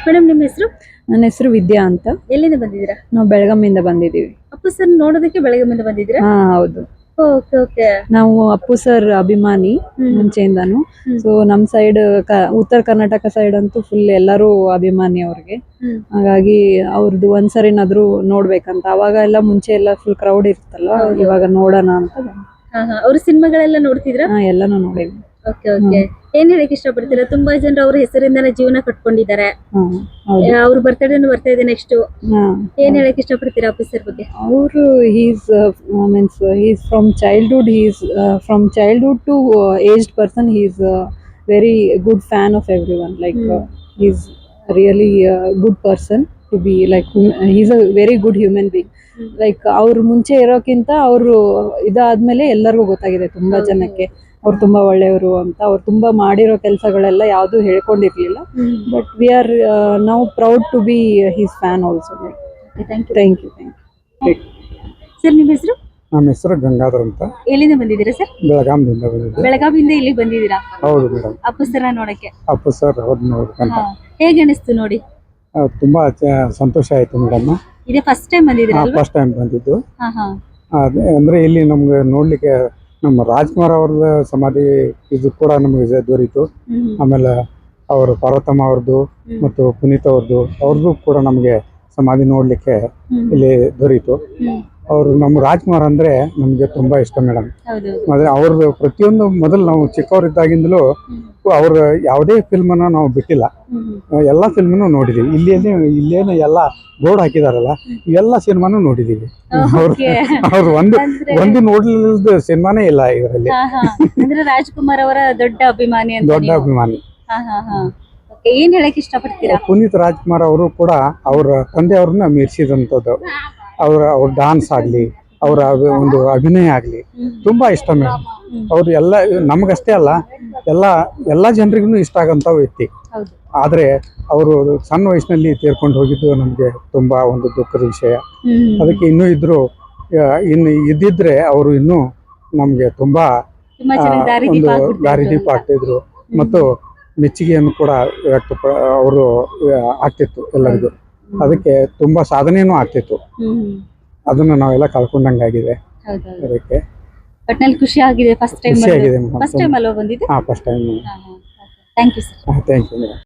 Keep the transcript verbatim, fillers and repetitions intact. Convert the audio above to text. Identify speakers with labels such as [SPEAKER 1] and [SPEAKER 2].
[SPEAKER 1] Madam ನಿಮ್ಮ ಹೆಸರು?
[SPEAKER 2] ನನ್ನ ಹೆಸರು ವಿದ್ಯಾ ಅಂತ.
[SPEAKER 1] ಎಲ್ಲಿಂದ ಬಂದಿದ್ದೀರಾ?
[SPEAKER 2] ನಾವು ಬೆಳಗಾವಿಯಿಂದ ಬಂದಿದ್ದೀವಿ.
[SPEAKER 1] ಅಪ್ಪು ಸರ್ ನೋಡೋದಕ್ಕೆ ಬೆಳಗಾವಿಯಿಂದ ಬಂದಿದ್ದೀರಾ?
[SPEAKER 2] ಹಾ ಹೌದು.
[SPEAKER 1] Okay okay.
[SPEAKER 2] ನಾವು ಅಪ್ಪು ಸರ್ ಅಭಿಮಾನಿ ಮುಂಚೆಯಿಂದಾನು. ಸೊ ನಮ್ ಸೈಡ್ ಉತ್ತರ ಕರ್ನಾಟಕ ಸೈಡ್ ಅಂತೂ ಫುಲ್ ಎಲ್ಲರೂ ಅಭಿಮಾನಿ ಅವ್ರಿಗೆ. ಹಾಗಾಗಿ ಅವ್ರದ್ದು ಒಂದ್ಸರಿನಾದ್ರೂ ನೋಡ್ಬೇಕಂತ. ಅವಾಗ ಎಲ್ಲ ಮುಂಚೆ ಎಲ್ಲ ಫುಲ್ ಕ್ರೌಡ್ ಇರುತ್ತಲ್ವಾ, ಇವಾಗ ನೋಡೋಣ ಅಂತ.
[SPEAKER 1] ಅವ್ರ ಸಿನಿಮಾಗಳೆಲ್ಲ ನೋಡ್ತಿದ್ರಾ?
[SPEAKER 2] ಹಾ ಎಲ್ಲಾನು ನೋಡಿದ್ವಿ.
[SPEAKER 1] Okay okay. ಏನ್ ಹೇಳಕ್ ಇಷ್ಟಪಡ್ತೀರಾ? ತುಂಬಾ ಜನರು ಅವ್ರ ಹೆಸರಿಂದಾನೇ ಜೀವನ ಕಟ್ಕೊಂಡಿದ್ದಾರೆ. ಅವ್ರ ಬರ್ತಡೇ ಬರ್ತಾ ಇದೆ ನೆಕ್ಸ್ಟ್. ಏನ್ ಹೇಳಕ್ ಇಷ್ಟಪಡ್ತೀರಾ ಅಪ್ಪು ಸರ್ ಬಗ್ಗೆ?
[SPEAKER 2] ಅವರು he's means he's from childhood he's from childhood to aged person he's very good fan of everyone. Like he's really good person to be. Like he's a very good human being. Like ಅವ್ರು ಮುಂಚೆ ಇರೋಕ್ಕಿಂತ ಅವರು ಇದಾದ್ಮೇಲೆ ಎಲ್ಲರಿಗೂ ಗೊತ್ತಾಗಿದೆ ತುಂಬಾ ಜನಕ್ಕೆ ಅವ್ರು ತುಂಬಾ ಒಳ್ಳೆಯವರು ಅಂತ. ಅವ್ರು ತುಂಬಾ ಮಾಡಿರೋ ಕೆಲಸಗಳೆಲ್ಲ ಯಾವ್ದು ಹೇಳ್ಕೊಂಡಿರ್ಲಿಲ್ಲ. But we are now proud to be his fan also. Thank you thank you thank you.
[SPEAKER 1] Sir ನಿಮ್ಮ ಹೆಸರು?
[SPEAKER 3] ನಮ್ಮ ಹೆಸರು ಗಂಗಾಧರ್ ಅಂತ.
[SPEAKER 1] ಎಲ್ಲಿಂದ ಬಂದಿದ್ದೀರಾ ಸರ್?
[SPEAKER 3] ಬೆಳಗಾವಿಯಿಂದ ಬಂದಿದ್ದೀವಿ.
[SPEAKER 1] ಬೆಳಗಾವಿಯಿಂದ ಇಲ್ಲಿ ಬಂದಿದ್ದೀರಾ?
[SPEAKER 3] ಹೌದು ಮೇಡಮ್.
[SPEAKER 1] ಅಪ್ಪು ಸರ್ ನೋಡಕ್ಕೆ.
[SPEAKER 3] ಅಪ್ಪು ಸರ್ ಅವ್ರನ್ನ ನೋಡ್ಬೇಕಂತ.
[SPEAKER 1] ಹೇಗೆ ಅನಿಸ್ತು ನೋಡಿ?
[SPEAKER 3] ತುಂಬಾ ಸಂತೋಷ ಆಯ್ತು ಮೇಡಮ್.
[SPEAKER 1] ಇದೇ ಫಸ್ಟ್ ಟೈಮ್ ಬಂದಿದ್ದೀರಾ?
[SPEAKER 3] ಫಸ್ಟ್ ಟೈಮ್ ಬಂದಿದ್ದು.
[SPEAKER 1] ಹಾ ಹಾ.
[SPEAKER 3] ಅಂದ್ರೆ ಇಲ್ಲಿ ನಮ್ಗೆ ನೋಡ್ಲಿಕ್ಕೆ ನಮ್ಮ ರಾಜ್ಕುಮಾರ್ ಅವ್ರದ್ದು ಸಮಾಧಿ ಇದು ಕೂಡ ನಮಗೆ ದೊರೀತು. ಆಮೇಲೆ ಅವರು ಪಾರ್ವತಮ್ಮ ಅವ್ರದ್ದು ಮತ್ತು ಪುನೀತ್ ಅವ್ರದ್ದು ಅವ್ರದ್ದು ಕೂಡ ನಮಗೆ ಸಮಾಧಿ ನೋಡ್ಲಿಕ್ಕೆ ಇಲ್ಲಿ ದೊರೀತು. ಅವರು ನಮ್ಮ ರಾಜ್ಕುಮಾರ್ ಅಂದ್ರೆ ನಮ್ಗೆ ತುಂಬಾ ಇಷ್ಟ ಮೇಡಮ್. ಮತ್ತೆ ಅವ್ರದ್ದು ಪ್ರತಿಯೊಂದು ಮೊದಲು ನಾವು ಚಿಕ್ಕವರಿದ್ದಾಗಿಂದಲೂ ಅವ್ರ ಯಾವುದೇ ಫಿಲ್ಮ್ ಅನ್ನ ನಾವು ಬಿಟ್ಟಿಲ್ಲ. ಎಲ್ಲಾ ಫಿಲ್ಮ್ನು ನೋಡಿದೀವಿ. ಇಲ್ಲಿ ಇಲ್ಲೇನು ಎಲ್ಲ ಬೋರ್ಡ್ ಹಾಕಿದಾರಲ್ಲ ಇವೆಲ್ಲ ಸಿನಿಮಾನು ನೋಡಿದೀವಿ. ಅವ್ರ ಅವ್ರು ಒಂದು ಒಂದು ನೋಡ್ಲಿಲ್ಲದ ಸಿನಿಮಾನೇ ಇಲ್ಲ ಇದರಲ್ಲಿ.
[SPEAKER 1] ರಾಜ್ಕುಮಾರ್ ಅವರ ದೊಡ್ಡ ಅಭಿಮಾನಿ.
[SPEAKER 3] ದೊಡ್ಡ ಅಭಿಮಾನಿ.
[SPEAKER 1] ಏನ್ ಹೇಳಕ್ ಇಷ್ಟಪಡ್ತೀರಾ?
[SPEAKER 3] ಪುನೀತ್ ರಾಜ್ಕುಮಾರ್ ಅವರು ಕೂಡ ಅವ್ರ ತಂದೆ ಅವ್ರನ್ನ ಮೀರಿಸಿದಂಥದ್ದು. ಅವ್ರ ಅವ್ರ ಡಾನ್ಸ್ ಆಗ್ಲಿ, ಅವರ ಒಂದು ಅಭಿನಯ ಆಗ್ಲಿ ತುಂಬಾ ಇಷ್ಟ ಮೇಡಮ್. ಅವ್ರು ಎಲ್ಲ ನಮಗಷ್ಟೇ ಅಲ್ಲ ಎಲ್ಲ ಎಲ್ಲಾ ಜನರಿಗೂ ಇಷ್ಟ ಆಗಂತ ವ್ಯಕ್ತಿ. ಆದ್ರೆ ಅವರು ಸಣ್ಣ ವಯಸ್ಸಿನಲ್ಲಿ ತೀರ್ಕೊಂಡು ಹೋಗಿದ್ದು ನಮ್ಗೆ ತುಂಬಾ ಒಂದು ದುಃಖದ ವಿಷಯ. ಅದಕ್ಕೆ ಇನ್ನೂ ಇದ್ರು ಇನ್ನು ಇದ್ದಿದ್ರೆ ಅವರು ಇನ್ನೂ ನಮ್ಗೆ ತುಂಬಾ ಒಂದು ದಾರಿದೀಪ ಆಗ್ತಿದ್ರು ಮತ್ತು ಮೆಚ್ಚುಗೆಯನ್ನು ಕೂಡ ವ್ಯಕ್ತ ಅವರು ಆಗ್ತಿತ್ತು ಎಲ್ಲರಿಗೂ. ಅದಕ್ಕೆ ತುಂಬಾ ಸಾಧನೆಯೂ ಆಗ್ತಿತ್ತು. ಅದನ್ನ ನಾವೆಲ್ಲ ಕಳ್ಕೊಂಡಂಗಾಗಿದೆ. ಅದಕ್ಕೆ
[SPEAKER 1] ಖುಷಿ ಆಗಿದೆ. ಫಸ್ಟ್ ಟೈಮ್
[SPEAKER 3] ಖುಷಿ ಆಗಿದೆ.
[SPEAKER 1] ಫಸ್ಟ್ ಟೈಮ್ ಅಲ್ವಾ ಬಂದಿದ್ದು?
[SPEAKER 3] ಹಾ first time.
[SPEAKER 1] Thank you sir.
[SPEAKER 3] Thank you madam.